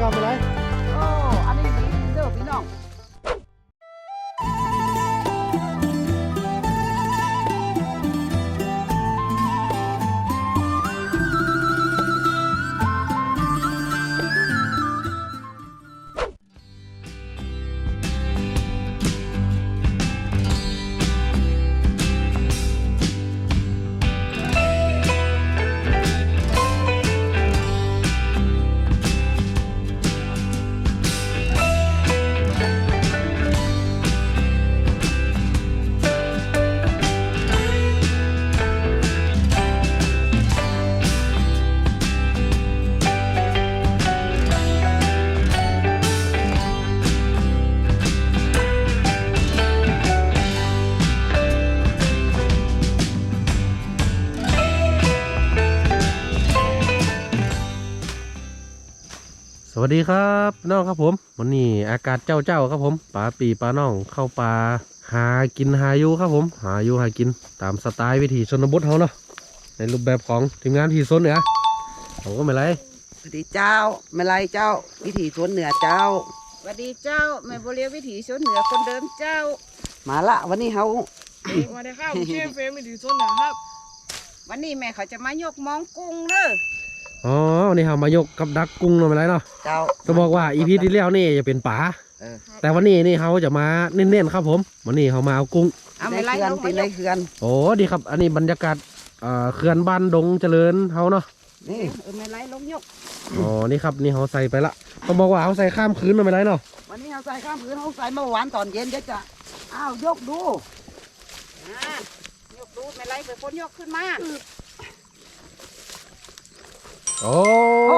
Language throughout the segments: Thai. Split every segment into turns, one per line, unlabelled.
ครับไม่ไร
โอ้อันนี้ดีเด้อพี่น้อง
สวัสดีครับน้องครับผมวันนี้อากาศเจ้าครับผมปลาปีปลาน้องเข้าปลาหากินหาอยู่ครับผมหาอยู่หากินตามสไตล์วิถีชนบทเขาเนาะในรูปแบบของทีมงานที่โซนเหนือผมก็ไม่ไร
สวัสดีเจ้าไม่ไรเจ้าวิถีสวนเหนือเจ้าสวัสดีเจ้าแม่โบเลียวิถีสวนเหนือคนเดิมเจ้ามาละวันนี้เขา
มาได้ครับเชฟเฟรมวิถีสวนเหนือครับ
วันนี้แม่เขาจะมายกมองกุ้งเด้อ
อ๋อวันนี้เรามายกกับดักกุ้งเนาะไม่ไรเนาะ
เจ้า
จะบอกว่าอีพีที่แล้วนี่จะเป็นป่าแต่วันนี้นี่เขาจะมาเน้นๆครับผมวันนี้เขามาเอากุ้ง
เอาไม่ไรลงไปเลยเขื่อน
โอ้ดีครับอันนี้บรรยากาศเขื่อนบ้านดงเจริญเขาเนาะ
นี่ไม่ไรลงยก
อ๋อนี่ครับนี่เขาใส่ไปละต้องบอกว่าเขาใส่ข้ามคืนเนาะไม่ไรเนาะ
วันนี้เขาใส่ข้ามคืนเขาใส่เมื่อวานตอนเย็นเดี๋ยวจะอ้าวยกดูยกดูไม่ไรไปคนยกขึ้นมา
โอ้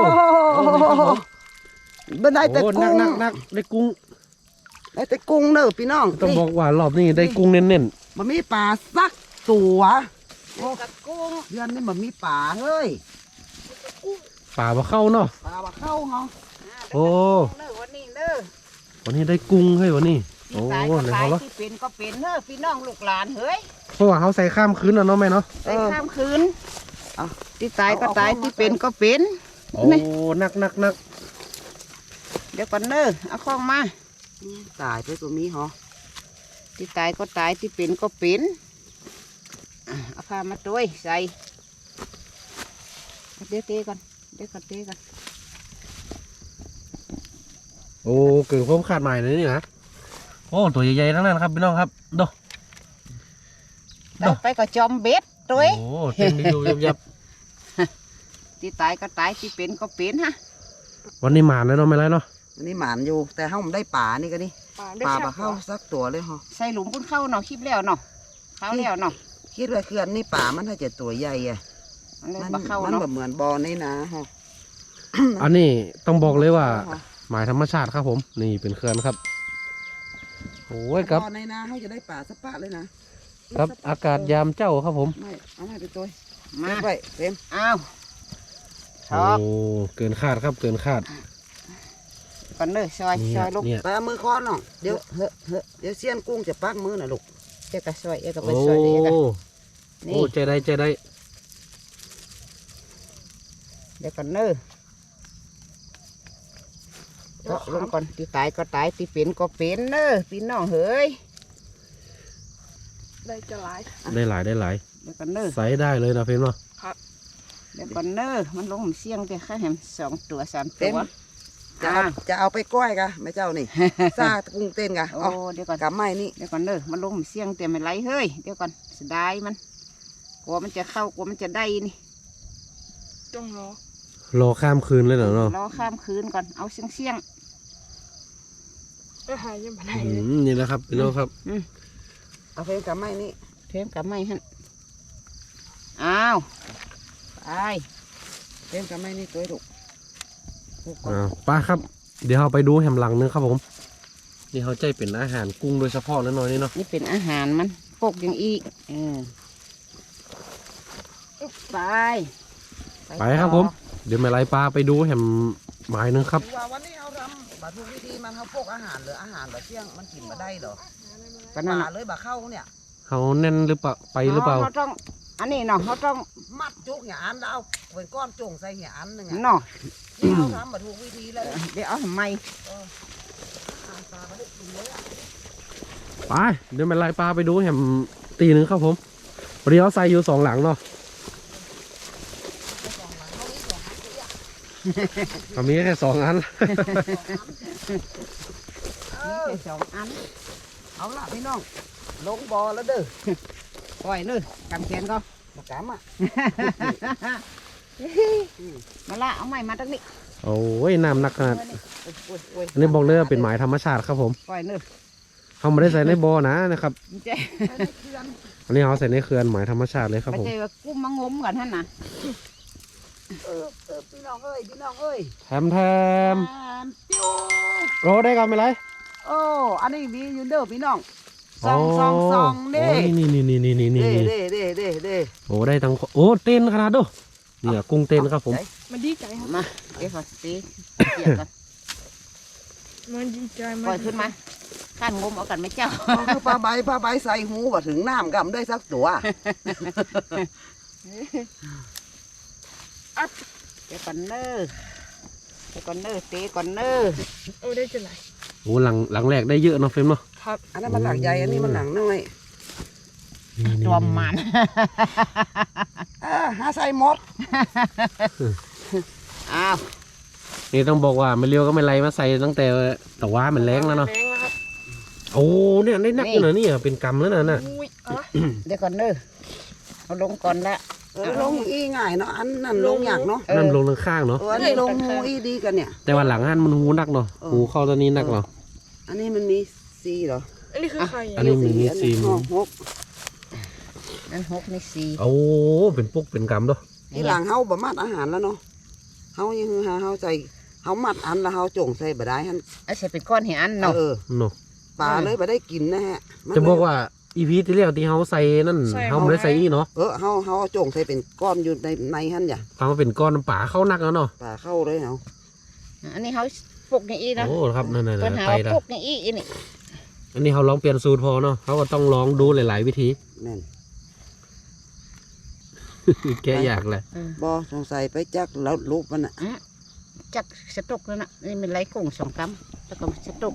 เป็นได้แต่กุ้ง
นักได้กุ้ง
ได้แต่กุ้งเนอะพี่น้อง
ต้องบอกว่ารอบนี้ได้กุ้งเน้น
ๆมันมีปลาสักตัวโอ้กับกุ้งเดือนนี้มันมีปลาเฮ้ย
ป่าบ่เข้าเนาะ
ปลาบ่เข้าเหรอ
โอ้
วันนี้เด้อ
วันนี้ได้กุ้งให้วันนี้
โอ้ไหนเขาละที่เป็นก็เป็นเนอะพี่น้องลูกหลานเฮ้ย
เพราะว่าเขาใส่ข้ามคืนเนาะแม่เนาะ
ใส่ข้ามคืนที่ตายก็ตายที่เป็นก็เป็น
โอ้นัก
เดี๋ยวก่อนเนอะเอาข้องมาตายไปตัวมีเหรอที่ตายก็ตายที่เป็นก็เป็นเอาผ้ามาด้วยใส่เดี๋ยวเตะก่อนเดี๋ยวก่อนเตะก่อน
โอ้เกิดความขาดใหม่เลยนี่นะโอ้ตัวใหญ่ๆทั้งนั้นครับพี่น้องครับ
ดูไปก็จอมเบ็ดด้วย
โอ้เต็มอยู่ยับ
ที่ตายก็ตายที่เป็นก็เป็นฮะ
วันนี้หมานเลยเนาะไม่ไรเนาะ
วันนี้หมานอยู่แต่เขาไม่ได้ป่านี่ก็นี่ป่ามาเข้าสักตัวเลยเหรอใส่หลุมพุ่นเข้าเนาะคลิปแล้วเนาะเข้าแล้วเนาะคิดว่าเขื่อนนี่ป่ามันถ้าจะตัวใหญ่อะมันแบบเหมือนบอนี่นะฮะ
อันนี้ต้องบอกเลยว่าหมายธรรมชาติครับผมนี่เป็นเขื่อนครับโอ้ยครับ
ในนาเขาจะได้ป่าสปะเลย
นะครับอากาศยามเจ้าครับผม
ไม่เอาไปตัวมาไปเต็มอ้าว
โอ้เกินคาดครับเกินคาด
ก่อนเลยซอยลูกไปเอามือค้อนหน่อยเดี๋ยวเดี๋ยวเสี้ยนกุ้งจะปักมือนะลูกเจ้าก็ซอยก็ไปซอยเด็ก
โอ้ใจได้เ
ดี๋ยวก่อนเนอะก็ลงก่อนที่ตายก็ตายที่เป็นก็เป็นเนอะพี่น้องเฮ้ย
ได้จะหลาย
ได้หลาย
เดี๋ยวก่อนเนอะ
ใส่ได้เลยนะเพื่อนเนาะ
เดี๋ยวก่อนเนอะมันลงเสียงแต่แค่แหม2 ตัว 3 ตัวจะเอาไปก้อยกะแม่เจ้านี่ซากุ้งเต้นกะโอ้เดี๋ยวก่อนกับไม้นี่เดี๋ยวก่อนเนอะมันลงเสียงแต่ไม่ไหลเฮ้ยเดี๋ยวก่อนเสียดายมันกลัวมันจะเข้ากลัวมันจะได้นี่
ต้อง
รอข้ามคืนเลยเหรอเนาะ
รอข้ามคืนก่อนเอาเสียง
หายยังไง
นี่แหละครับพี่น้องครับ
เอาเพลงกับไม้นี่เพลงกับไม้ฮะอ้าวไปเพลงกับไม้นี่ตัวดุ
ป้าครับเดี๋ยวเราไปดูแฮมหลังนึงครับผมนี่เขาใจเป็นอาหารกุ้งโดยเฉพาะแล้วน้อยนี่เนาะ
นี่เป็นอาหารมันปกอย่างอีก
ไปครับผมเดี๋ยวไม่ไรปลาไปดูแฮมหมายนึงครับ
วันนี้เอาทำบะทุกวิธีมันเขาพกอาหารหรืออาหารแบบเที่ยงมันกินมาได้เหรอปลาเลยบะเข้าเนี่ย
เขาแน่นหรือเปล่าไปหรือเปล่า
เขาต้องอันนี้เนาะเขาต้องมัดจุกอย่างอันแล้วเอาเป็นก้อนจุ่งใส่อย่างอันหนึ่ง
เนาะ
เอาทำมาถูกวิธีเลยเดี๋ยวเอาทำไม
ไปเดี๋ยวมันไล่ปลาไปดูแหมตีหนึ่งครับผมวันนี้เราใส่อยู่2 หลังเนาะก็มีแค่2 อัน
แค่2 อันเอาละพี่น้องลงบ่อแล้วเด้อปล่อยเนื้อกำแขนก็มากำอ่ะมาละเอาใหม่มาตั้งนี้
โอ้ยน้ำหนักขนาดอันนี้บอกเลยว่าเป็นหมายธรรมชาติครับผม
ปล่อยเนื้อ
เขาไม่ได้ใส่ในบ่อนะครับ
เจ๊
อันนี้เขาใส่ในเขื่อนหมายธรรมชาติเลยครับ
ไม่
ผม
ใช่ว่ากุ้มมางมกันท่านนะพี่น้องเอ้ยพี่น้องเอ้ย
แถม
ปิ้ว
โอ้ได้กันไหมไร
โอ้อันนี้มีอยู่เด้อพี่น้องซองเด้
โอ้นี่
เด้
โอ้ได้ทั้งโอ้เต้นขนาดดูเนี่ยกุ้งเต้นครับผม
มันดีใจครับ
มาเดี๋ยวขอตีเกี่ยวกัน
มันดีใจ
ปล่อยขึ้นมาข้านงมเอากันไหมเจ้า
คือปลาใบใส่หูว่าถึงน้ำกำได้สักตัว
เดี๋ยวก่อนเน้อตีก่อนเน้อ
โอ้ได้จะไหน
โอ้หลังแรกได้เยอะเนาะเฟรมเนาะ
ครับ
อันนั้นมันหลังใหญ่อันนี้มันหลังน้อย
ตัวมัน
หาใส่หมด
อ้าว
นี่ต้องบอกว่าไม่เลี้ยวก็ไม่ไรมาใส่ตั้งแต่แต่ว่ามันแรงแล้วเนาะ
แรงแล้วครับ
โอ้เนี่ยได้นักอยู่นะเนี่ยเป็นกำแล้วน่ะ
อุ้ยอ๋อ
เดี๋ยวก่อนเน้อเอาลงก่อนละ
ลงอีง่ายเนาะอันนั้นลงอยากเนาะ
นั่นลงทางข้างเนาะ
อันนี้ลงหูอีดีกันเนี่ย
แต่ว่าหลังหันมันหูนักเนาะหูเข้าตัวนี้นักเนาะ
อันนี้มันมีซีเหรอ
อันนี้คือใคร
อันนี้มีซีม
หก
นั่น6นี่4
โอ้เป็นปุ๊กเป็นกำด้วย
ที่หลังเฮาบะมัดอาหารแล้วเนาะเฮายังหาเฮาใส่เฮามัดอันแล้วเฮาจงใส่บะได้ฮัน
ไอ้ใส่เป็นก้อนเหียนเนาะ
เออ
เนาะ
ปลาเลยบะได้กินนะฮะมัน
จะบอกว่าอีพีที่แล้วที่เขาใส่นั่นเขาไม่ได้ใส่อีเนาะ
เฮาเอาจงใส่เป็นก้อนอยู่ในฮันอย่า
ฟังว่าเป็นก้อนป่าเข้านักแล้วเนาะ
ปลาเข้าเลยเฮา
อันนี้เขาปลูกอย่างอีนะ
โอ้ครับนั่น
เพิ่นหา
ไป
ว่า
ละ
ปลูกอย่างอีนี่
อันนี้เขาลองเปลี่ยนสูตรพอเนาะเขาก็ต้องลองดูหลายๆวิธี
แม่น
แกอยากเลย
บ่สงสัยไปจักแล้วรูปมันน่ะ
จักสตุกนั่นน่ะนี่เป็นไรกุ้ง2 กำแล้วก็สตุก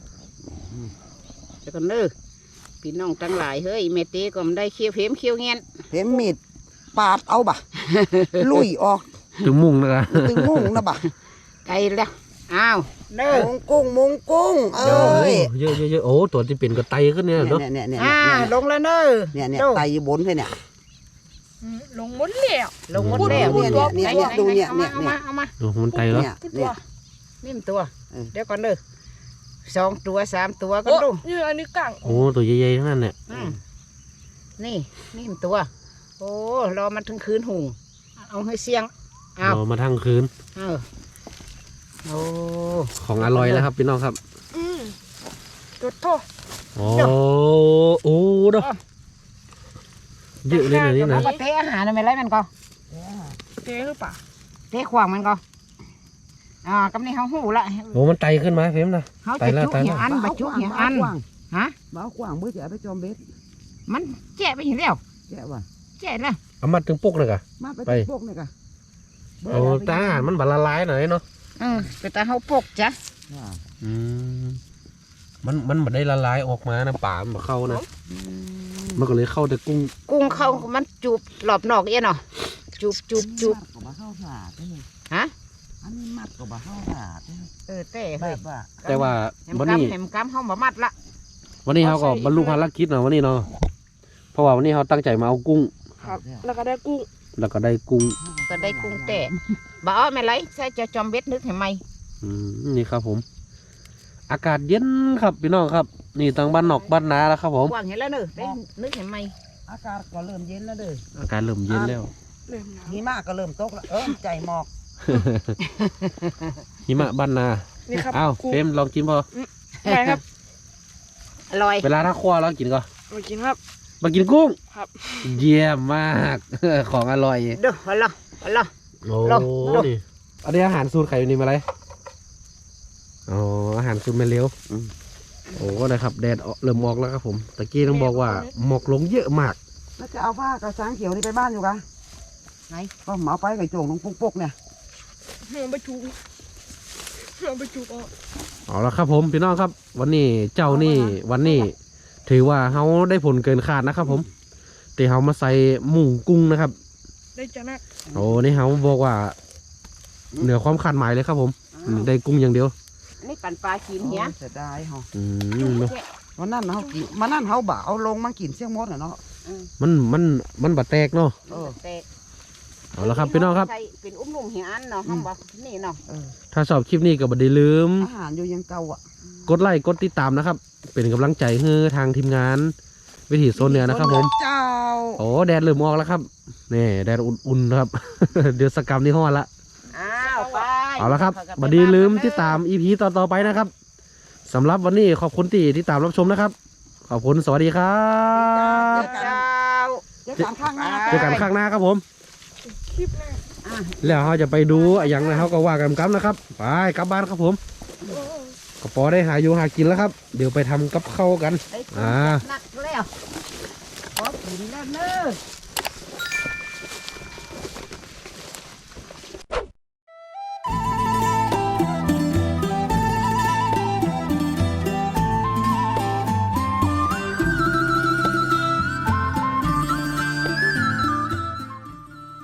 แล้วก็เน้อพี่น้องทั้งหลายเฮ้ยเมตีก็มันได้เคี้ยวเข็มเคี้ยวเงี้ยน
เห็นมีดปาดเอาบะ ลุยออก
ถึงมุ่งนะครับ
ตึงมุ่งนะบะ
ไกลแล้วอ้าวเน้อ
มุงกุ้งเอ้ย
เยอะโอ้ตัวที่เป็นกระไตขึ้นเนี่ยเนาะ
เนี่ย
ลงแล้วเน้อ
เนี่ยไตอยู่บนเลยเนี่ย
ลงหมดแล้ว
ลงหมดแล้ว
เนี่ยดูเนี่ย
เอามา
โอ้มันไตแล้ว
เนี่ย
ตัว
นิ่มตัว
เออ
เดี๋ยวก่อนเด้อ2 ตัว 3 ตัวก็
โอ้
ดู
นี่อันนี้กัง
โอ้ตัวใหญ่ๆทั้งนั้นเนี่ย
นี่นิ่มตัว โอ้รอมันถึงคืนหุงเอาให้เสียงเอา
รอมาทั้งคืน
โอ้
ของอร่อยแล้วครับพี่น้องครับ
จุดโทษ
โอ้เนาะเยอะเลยนะนี่
เอา
นะ
มาเตะอาหารอะไรมันก็
เจ๊หรือเปล่า
เตะขวางมันก็กำนี้เขาหูละ
โอ้มันไตขึ้นมาเฟรมนะ
เขาจะจุกอย่างอันบะจุกอย่างอันฮะ
บ้ากว้างเบื่อจะไปจอมเบ็ด
มันแจ๊ะไปเห็นแล้ว
แก่ว่ะ
แจ๊ะแล้ว
เอามาถึงปุ๊กเลยกะ
มาไปพวกนี่กะ
เอาตาอาหารมันบาละลายหน่อยเนาะ
แต่ตาเขาปกจ้ะ
อืมมันไม่ได้ละลายออกมานะป่ามันบ่เข้านะมันก็เลยเข้าแต่กุ้ง
กุ้งเขามันจูบหลอบนอกเอี้ยเนาะจูบ
ก็มาเข้าสาดนี่
ฮะ
อันนี้มัดก็มาเข้าสาด
เต้
แบ
เฮ้ย
บว่า
แต่ว่า
แหม
วัน
กำ
นี้
แหมกำเขาบ่มัดละ
วันนี้เขาก็บรรลุภารกิจเนาะวันนี้เนาะเพราะว่าวันนี้เขาตั้งใจมาเอากุ้ง
ครับแล้วก็ได้กุ้ง
แล้วก็ได้กุ้ง
ก็ได้กุ้งแต่บ่เอาไม่ไรใส่จะจอมเบ็ดนึกเห็นไหม
นี่ครับผม อากาศเย็นครับพี่น้องครับ นี่ทางบ้านนอกบ้านนาแล้วครับผม
กว้างเห็นแล้วเนอะได้นึกเห็นไหม
อากาศก็เริ่มเย็นแล้วเด้อ
อากาศเริ่มเย็นแล้ว
เริ่มหนาว
หิมะก็เริ่มตกแล้วใจหมอก
หิมะบ้านนา
นี่ครับ
อ้าว
กุ้ง
เฟรมลองกินพอ
ไปครับ
อร่อย
เวลาถ้าคว้าแล้วกินก็
มากินครับ
มากินกุ้ง
ครับ
เยี่ยมมาก ของอร่อย
เด้อฮัลโหลฮัลโหล
โอ้
ลอง
นี่อันนี้อาหารสูตรไข่อยู่นี่มาเลยอ๋ออาหารสูตรแม่เลี้ยวโอ้นะครับแดดเริ่มออกแล้วครับผมตะกี้ต้องบอกว่าหมอกลงเยอะมาก
แล้วจะเอาผ้ากระสังเขียวนี่ไปบ้านอยู่กะ
ไหน
ก็เหมาไปไก่โจงลงปุ๊กเนี่ย
หนูไปจูบหนูไปจูบเอา
เอาละครับผมพี่น้องครับ วันนี้เจ้านี่วันนี้ ถือว่าเขาได้ผลเกินคาดนะครับ ผมแต่เขามาใส่หมูกุ้งนะครับ
ได้จะนัก
โอ้นี่เขาบอกว่า เหนือความคาดหมายเลยครับผมได้กุ้งอย่างเดียว
นี่ปั่นปลากินเหี้ย
เสียดายเหรอ
เนาะ
วันนั้นเขากินวันนั้นเขาบ่าเอาลงมากินเสี่ยงมดเนาะ
มันบาดแตกเนาะ
เออ
แตก
เอาละครับพี่น้องครับ
ใส่เป็นอุ้มนุ่มเหี่ยอันเนาะห้องบอกนี่เนาะ
ถ้าชอบคลิปนี้ก็บ่ได้ลืม
อาหารอยู่ยังเก่าอ่ะ
กดไลค์กดติดตามนะครับ เป็นกำลังใจให้ทางทีมงาน วิถีโซนเหนือนะครับผม
เจ้า
โอ้แดดเริ่มออกแล้วครับนี่แดดอุ่นๆนะครับ เดือดสกรรมนี่ฮ้อนละ
อ้าวไป
เอาละครับบัดดีลืมติดตาม EP ต่อๆไปนะครับสำหรับวันนี้ขอบคุณที่ตามรับชมนะครับ ขอบคุณสวัสดีครับ
เจ้า
เจอกันข้างหน้า
เจอกันข้างหน้าครับผม
คลิปหน้า
แล้วเราจะไปดูอย่างไรเขาก็ว่ากันครับนะครับไปกลับบ้านครับผม
โอ้
กระป๋อได้หาอยู่หากินแล้วครับ เดี๋ยวไปทำกับข้าวกัน
ได้กินจัดหนักแล้วขอกินแล้วเนอะ